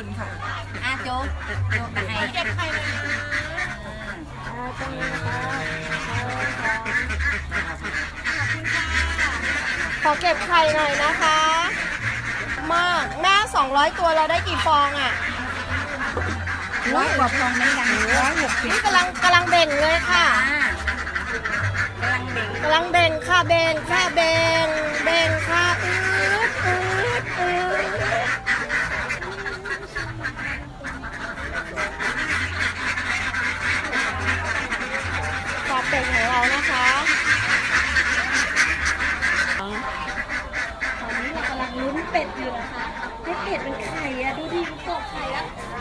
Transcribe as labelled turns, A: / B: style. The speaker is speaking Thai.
A: คุณค่ะโจ๊กมาให้เก็บไข่เลยตรงนี้นะคะ
B: ขอเก็บไข่หน่อยนะคะมากแม่200ตัวเราได้กี่ฟองอ่ะ
A: 100 กว่าฟองไม่ยัง160
B: นี่กำลังเบ่งเลยค่ะกำลังเบ่งค่ะเบ่งค่ะเบ่งค่ะปลาเป็ดของเรานะคะ
C: ตอนนี้เรากำลังลุ้นเป็ดอยู่นะคะให้เป็ดเป็นไข่อะดูดิมันกรอกไข่แล้ว